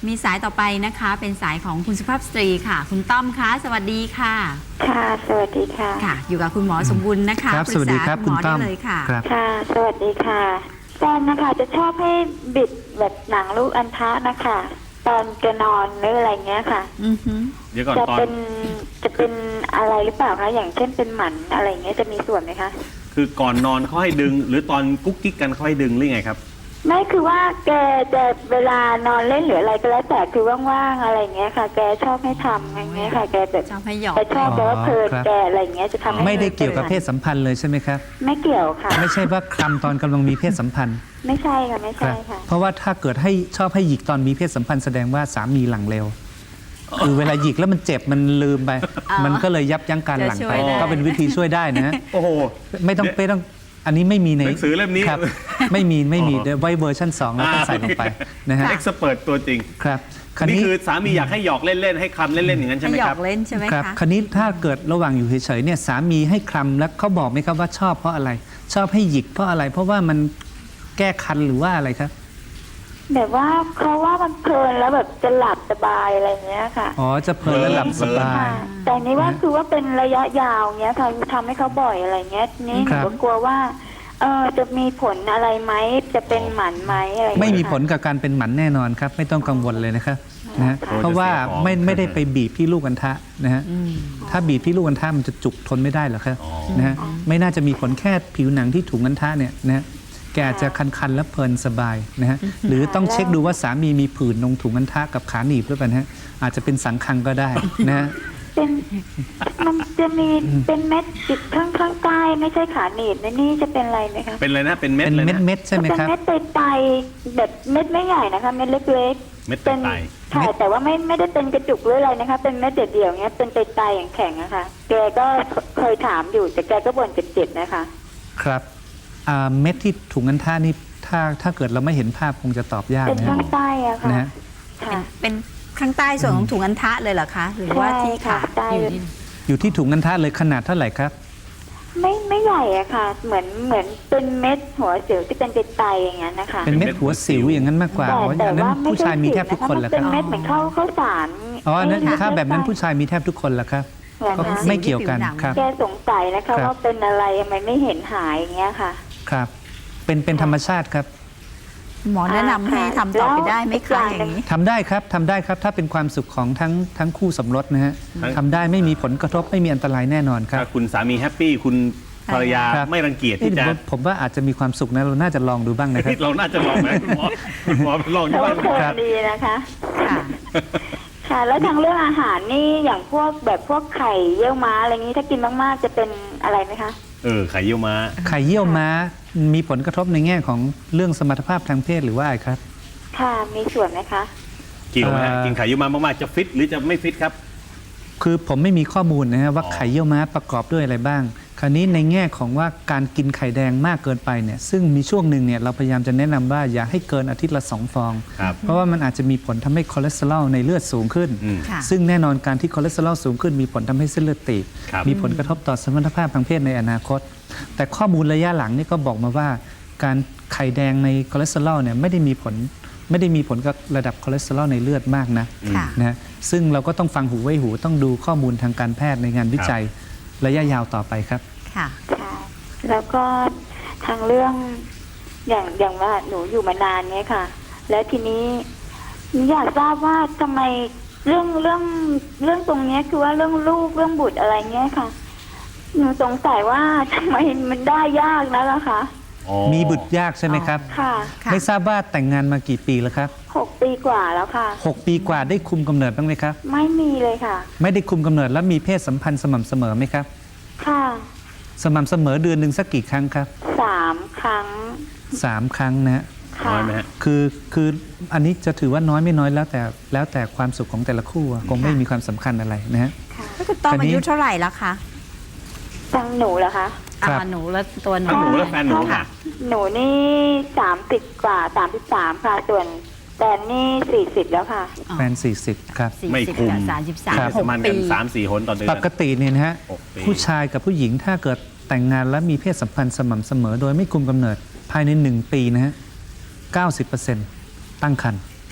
มีสายต่อไปนะคะเป็นสายของคุณสุภาพสตรีค่ะคุณต้อมคะสวัสดีค่ะค่ะสวัสดีค่ะค่ะอยู่กับคุณหมอสมบุญนะคะครับสวัสดีครับคุณต้อมเลยค่ะค่ะสวัสดีค่ะแฟนนะคะจะชอบให้บิดแบบหนังลูกอัณฑะนะคะตอนจะนอนหรืออะไรเงี้ยค่ะเดี๋ยวก่อนจะเป็นอะไรหรือเปล่าคะอย่างเช่นเป็นหมันอะไรเงี้ยจะมีส่วนไหมคะคือก่อนนอนเขาให้ดึง หรือตอนกุ๊กกิ๊กกันเขาให้ดึงหรือไงครับไม่คือว่าแกจะเวลานอนเล่นหรืออะไรก็แล้วแต่คือว่างๆอะไรเงี้ยค่ะแกชอบให้ทำอย่างเงี้ยค่ะแกแบบชอบให้หยอกแต่ชอบแต่ว่าเพลินแกอะไรเงี้ยจะทำให้ไม่ได้เกี่ยวกับเพศสัมพันธ์เลยใช่ไหมครับไม่เกี่ยวค่ะไม่ใช่ว่าคลำตอนกำลังมีเพศสัมพันธ์ไม่ใช่ค่ะไม่ใช่ค่ะเพราะว่าถ้าเกิดให้ชอบให้หยิกตอนมีเพศสัมพันธ์แสดงว่าสามีหลังเร็วคือเวลาหยิกแล้วมันเจ็บมันลืมไปมันก็เลยยับยั้งการหลังไปก็เป็นวิธีช่วยได้นะโอ้โหไม่ต้องอันนี้ไม่มีในหนังสือเล่มนี้ครับไม่มีเดี๋ยวไว้เวอร์ชัน2แล้วก็ใส่ลงไปนะฮะเอ็กซ์เพิร์ตตัวจริงครับนี่คือสามีอยากให้หยอกเล่นๆให้คำเล่นๆอย่างนั้นใช่ไหมครับหยอกเล่นใช่ไหมครับคราวนี้ถ้าเกิดระหว่างอยู่เฉยๆเนี่ยสามีให้คลำแล้วเขาบอกไหมครับว่าชอบเพราะอะไรชอบให้หยิกเพราะอะไรเพราะว่ามันแก้คันหรือว่าอะไรครับแบบว่าเขาว่ามันเพลินแล้วแบบจะหลับสบายอะไรเงี้ยค่ะอ๋อจะเพลินแล้วหลับสบายแต่นี้ว่าคือว่าเป็นระยะยาวเงี้ยค่ะทำให้เขาบ่อยอะไรเงี้ยนี่หนูก็กลัวว่าจะมีผลอะไรไหมจะเป็นหมันไหมอะไรไม่มีผลกับการเป็นหมันแน่นอนครับไม่ต้องกังวลเลยนะครับนะฮะเพราะว่าไม่ได้ไปบีบที่ลูกอัณฑะนะฮะถ้าบีบที่ลูกอัณฑะมันจะจุกทนไม่ได้หรอกครับนะฮะไม่น่าจะมีผลแค่ผิวหนังที่ถุงอัณฑะเนี่ยนะฮะแกจะคันๆและเพลินสบายนะฮะหรือต้องเช็คดูว่าสามีมีผื่นตรงถุงอัณฑะกับขาหนีบหรือเปล่านะฮะอาจจะเป็นสังคังก็ได้นะฮะมันจะมีเป็นเม็ดติดข้างใต้ไม่ใช่ขาหนีบนี่จะเป็นอะไรไหมคะเป็นอะไรนะเป็นเม็ดเลยนะเม็ดใช่ไหมครับเป็นเม็ดไตแบบเม็ดไม่ใหญ่นะคะเม็ดเล็กๆเม็ดไตค่ะแต่ว่าไม่ได้เป็นกระจุกหรืออะไรนะคะเป็นเม็ดเดี่ยวๆเงี้ยเป็นไตอย่างแข็งนะคะแกก็เคยถามอยู่แต่แกก็บ่นเจ็บๆนะคะครับเม็ดที่ถุงอัณฑะนี่ถ้าเกิดเราไม่เห็นภาพคงจะตอบยากเป็นข้างใต้อะค่ะเป็นข้างใต้ส่วนของถุงอัณฑะเลยเหรอคะหรือว่าที่ขาอยู่ที่ถุงอัณฑะเลยขนาดเท่าไหร่ครับไม่ใหญ่อะค่ะเหมือนเป็นเม็ดหัวสิวที่เป็นไตอย่างนั้นนะคะเป็นเม็ดหัวสิวอย่างนั้นมากกว่าแต่ว่าผู้ชายมีแทบทุกคนแหละครับเป็นเม็ดเหมือนข้าวสารอ๋อถ้าแบบนั้นผู้ชายมีแทบทุกคนแหละครับก็ไม่เกี่ยวกันครับแกสงสัยนะคะว่าเป็นอะไรทำไมไม่เห็นหายอย่างเงี้ยค่ะครับเป็นธรรมชาติครับหมอแนะนำให้ทำต่อไปได้ไหมคะอย่างนี้ทำได้ครับถ้าเป็นความสุขของทั้งคู่สมรสนะฮะทำได้ไม่มีผลกระทบไม่มีอันตรายแน่นอนครับถ้าคุณสามีแฮปปี้คุณภรรยาไม่รังเกียจที่จะผมว่าอาจจะมีความสุขนะเราน่าจะลองดูบ้างนะครับเราน่าจะลองไหมคุณหมอลองดูบ้างครับดีนะคะค่ะแล้วทางเรื่องอาหารนี่อย่างพวกไข่เยี่ยวม้าอะไรนี้ถ้ากินมากๆจะเป็นอะไรไหมคะไข่เยี่ยวม้ามีผลกระทบในแง่ของเรื่องสมรรถภาพทางเพศหรือว่าอะไรครับค่ะมีส่วนไหมคะเกี่ยวไหมกินไข่เยี่ยวม้ามากๆจะฟิตหรือจะไม่ฟิตครับคือผมไม่มีข้อมูลนะฮะว่าไข่เยี่ยวม้าประกอบด้วยอะไรบ้างคราวนี้ในแง่ของว่าการกินไข่แดงมากเกินไปเนี่ยซึ่งมีช่วงหนึ่งเนี่ยเราพยายามจะแนะนำว่าอย่าให้เกินอาทิตย์ละ2 ฟองเพราะว่ามันอาจจะมีผลทำให้คอเลสเตอรอลในเลือดสูงขึ้นซึ่งแน่นอนการที่คอเลสเตอรอลสูงขึ้นมีผลทำให้เส้นเลือดตีบมีผลกระทบต่อสมรรถภาพทางเพศในอนาคตแต่ข้อมูลระยะหลังนี่ก็บอกมาว่าการไข่แดงในคอเลสเตอรอลเนี่ยไม่ได้มีผลกับระดับคอเลสเตอรอลในเลือดมากนะซึ่งเราก็ต้องฟังหูไว้หูต้องดูข้อมูลทางการแพทย์ในงานวิจัยระยะยาวต่อไปครับค่ะแล้วก็ทางเรื่องอย่างว่าหนูอยู่มานานเนี้ยค่ะแล้วทีนี้อยากทราบว่าทำไมเรื่องตรงนี้คือว่าเรื่องลูกเรื่องบุตรอะไรเงี้ยค่ะหนูสงสัยว่าทำไมมันได้ยากนะล่ะคะมีบุตรยากใช่ไหมครับค่ะไม่ทราบว่าแต่งงานมากี่ปีแล้วครับ 6 ปีกว่าแล้วค่ะ 6 ปีกว่าได้คุมกำเนิดบ้างไหมครับไม่มีเลยค่ะไม่ได้คุมกำเนิดแล้วมีเพศสัมพันธ์สม่ำเสมอไหมครับค่ะสม่ำเสมอเดือนหนึ่งสักกี่ครั้งครับ 3 ครั้ง 3 ครั้งนะน้อยไหมฮะคืออันนี้จะถือว่าน้อยไม่น้อยแล้วแต่ความสุขของแต่ละคู่คงไม่มีความสำคัญอะไรนะฮะแล้วคุณต้อมอายุเท่าไหร่แล้วคะทางหนูเหรอคะหนูแล้วตัวหนูและแฟนหนูค่ะหนูนี่30 กว่า33ค่ะส่วนแฟนนี่40แล้วค่ะแฟน40ครับไม่คุม 33 6 ปี3-4 หนต่อเดือนปกติเนี่ยนะฮะผู้ชายกับผู้หญิงถ้าเกิดแต่งงานแล้วมีเพศสัมพันธ์สม่ำเสมอโดยไม่คุมกำเนิดภายใน1 ปีนะฮะ 90% ตั้งครรภ์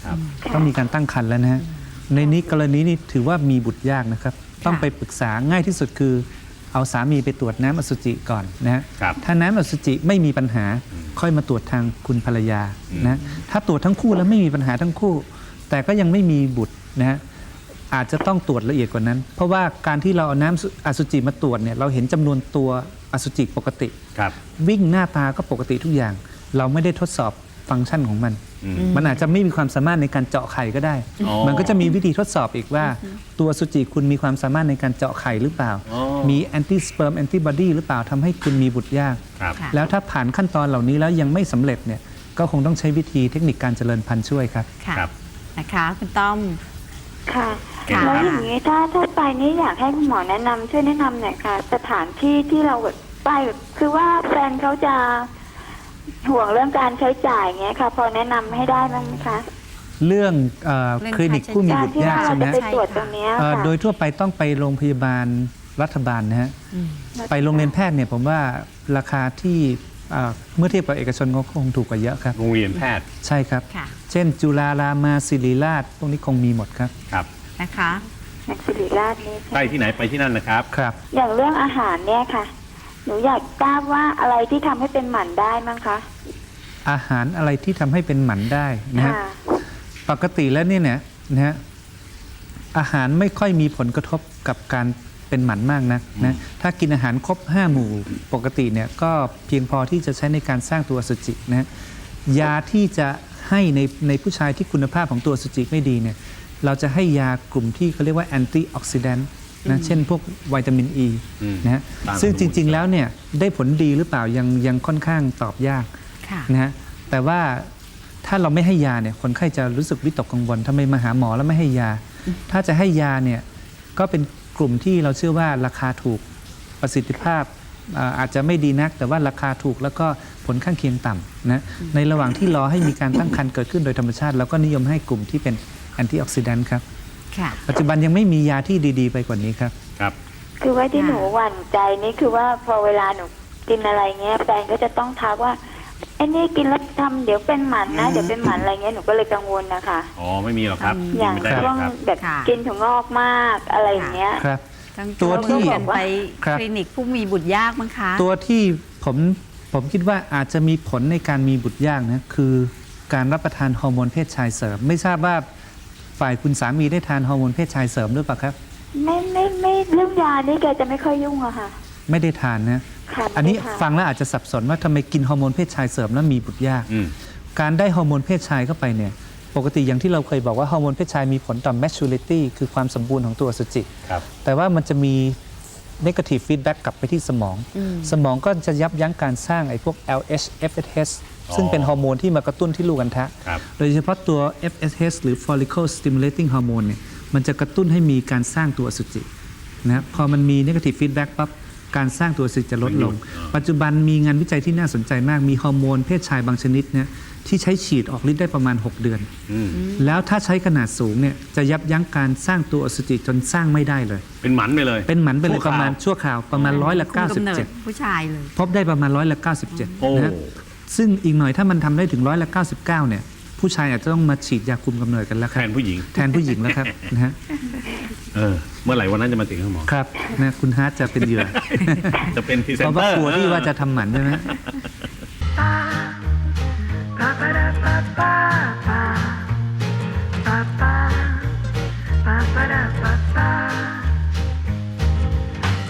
ครับต้องมีการตั้งครรภ์แล้วนะฮะในนี้กรณีนี้ถือว่ามีบุตรยากนะครับ ต้องไปปรึกษาง่ายที่สุดคือ เอาสามีไปตรวจน้ำอสุจิก่อนนะฮะครับถ้าน้ำอสุจิไม่มีปัญหาค่อยมาตรวจทางคุณภรรยานะถ้าตรวจทั้งคู่แล้วไม่มีปัญหาทั้งคู่ แต่ก็ยังไม่มีบุตรนะฮะอาจจะต้องตรวจละเอียดกว่านั้น เพราะว่าการที่เราเอาน้ำอสุจิมาตรวจเนี่ยเราเห็นจำนวนตัวอสุจิปกติครับวิ่งหน้าตาก็ปกติทุกอย่าง เราไม่ได้ทดสอบฟังก์ชันของมัน มันอาจจะไม่มีความสามารถในการเจาะไข่ก็ได้อ๋อมันก็จะมีวิธีทดสอบอีกว่า ตัวอสุจิคุณมีความสามารถในการเจาะไข่หรือเปล่าอ๋อมีแอนติสเปิร์มแอนติบอดีหรือเปล่าทำให้คุณมีบุตรยากครับค่ะแล้วถ้าผ่านขั้นตอนเหล่านี้แล้วยังไม่สำเร็จเนี่ยก็คงต้องใช้วิธีเทคนิคการเจริญพันธุ์ช่วยครับค่ะครับนะคะคุณต้อมค่ะค่ะแล้วอย่างนี้ถ้าไปนี่อยากให้คุณหมอแนะนำช่วยแนะนำหน่อยค่ะ สถานที่ที่เราแบบไปแบบคือว่าแฟนเขาจะห่วงเรื่องการใช้จ่ายเงี้ยค่ะ พอแนะนำให้ได้บ้างไหมคะเรื่องเรื่องคลินิกผู้มีการบุตรที่ยากว่าเราใช่ไหมจะไปฮะตรวจตรงเนี้ยค่ะโดยทั่วไปต้องไปโรงพยาบาลรัฐบาลนะฮะ ไปโรงเรียนแพทย์เนี่ยผมว่าราคาที่เมื่อเทียบกับเอกชนก็คงถูกกว่าเยอะครับโรงเรียนแพทย์ใช่ครับค่ะเช่น จุฬารามาศิริราชพวกนี้คงมีหมดครับครับนะคะนักศิริราชนี่ใกล้ที่ไหนไปที่นั่นนะครับครับอย่างเรื่องอาหารเนี่ยค่ะ หนูอยากทราบว่าอะไรที่ทำให้เป็นหมันได้มั้งคะอาหารอะไรที่ทำให้เป็นหมันได้นะฮะค่ะปกติแล้วเนี่ยนะฮะอาหารไม่ค่อยมีผลกระทบกับการเป็นหมันมากนักนะถ้ากินอาหารครบ 5 หมู่ปกติเนี่ยก็เพียงพอที่จะใช้ในการสร้างตัวอสุจินะฮะยาที่จะให้ในผู้ชายที่คุณภาพของตัวอสุจิไม่ดีเนี่ยเราจะให้ยากลุ่มที่เขาเรียกว่าแอนตี้ออกซิแดนต์นะเช่นพวกวิตามินอ e ีอืมนะฮะต้านอนุมูลซึ่งจริง ๆ แล้วเนี่ยได้ผลดีหรือเปล่ายังค่อนข้างตอบยากค่ะนะฮะแต่ว่าถ้าเราไม่ให้ยาเนี่ยคนไข้จะรู้สึกวิตกกังวลทำไมมาหาหมอแล้วไม่ให้ยา ถ้าจะให้ยาเนี่ยก็เป็นกลุ่มที่เราเชื่อว่าราคาถูกประสิทธิภาพอาจจะไม่ดีนัก แต่ว่าราคาถูกแล้วก็ผลข้างเคียงต่ำนะในระหว่างที่รอให้มีการตั้งครรภ์เกิดขึ้นโดยธรรมชาติเราก็นิยมให้กลุ่มที่เป็นแอนตี้ออกซิแดนต์ครับค่ะปัจจุบันยังไม่มียาที่ดีๆ ไปกว่านี้ครับครับคือว่าที่หนูหวั่นใจนี่คือว่าพอเวลาหนูกินอะไรเงี้ยแฟนก็จะต้องทักว่าไอ้นี่กินแล้วทำเดี๋ยวเป็นหมันนะเดี๋ยวเป็นหมันอะไรเงี้ยหนูก็เลยกังวลนะคะอ๋อ ไม่มีหรอกครับอย่างไม่ได้หรช่วอกงครับแบบค่ะกินถั่วงอกมากอะไรอย่างเงี้ยครับต้องตัวที่กันไปครับคลินิกผู้มีบุตรยากมั้งคะตัวที่ผมคิดว่าอาจจะมีผลในการมีบุตรยากนะคือการรับประทานฮอร์โมนเพศชายเสริม ไม่ทราบว่าฝ่ายคุณสามีได้ทานฮอร์โมนเพศชายเสริมหรือเปล่าครับไม่เรื่องยานี่แกจะไม่ค่อยยุ่งอะค่ะไม่ได้ทานนะค่ะอันนี้ไม่ได้ทาฟังแล้วอาจจะสับสนว่าทำไมกินฮอร์โมนเพศชายเสริมแล้วมีบุตรยากอืมการได้ฮอร์โมนเพศชายเข้าไปเนี่ยปกติอย่างที่เราเคยบอกว่าฮอร์โมนเพศชายมีผลต่อ maturity คือความสมบูรณ์ของตัวอสุจิครับแต่ว่ามันจะมี negative feedback กลับไปที่สมอง สมองก็จะยับยั้งการสร้างไอ้พวก LH FSH ซึ่งเป็นฮอร์โมนที่มากระตุ้นที่ลูกอัณฑะครับโดยเฉพาะตัว FSH หรือ follicle stimulating hormone เนี่ยมันจะกระตุ้นให้มีการสร้างตัวอสุจินะพอมันมี negative feedback ปั๊บการสร้างตัวอสุจิจะลดลง ปัจจุบันมีงานวิจัยที่น่าสนใจมากมีฮอร์โมนเพศชายบางชนิดเนี่ยที่ใช้ฉีดออกฤทธิ์ได้ประมาณ 6 เดือนอืมแล้วถ้าใช้ขนาดสูงเนี่ยจะยับยั้งการสร้างตัวอสุจิจนสร้างไม่ได้เลยเป็นหมันไปเลยเป็นหมันไปเลยชั่วคราวประมาณชั่วคราวประมาณร้อยละคุมกำเนิด 97 ผู้ชายเลยพบได้ประมาณร้อยละโอ้ 97นะฮะซึ่งอีกหน่อยถ้ามันทำได้ถึงร้อยละ 99เนี่ยผู้ชายอาจจะต้องมาฉีดยาคุมกำเนิดกันแล้วคแทรับนผู้หญิงแทนผู้หญิงแล้วครับนะฮะเมื่อไหร่วันนั้นจะมาถึงครับหมอครับนะคุณฮาร์ดจะเป็นเหยื่อจะเป็นพรีเซเพนราะเตว่าอร์กลัวที่ว่าจะทำหมันใช่ไหม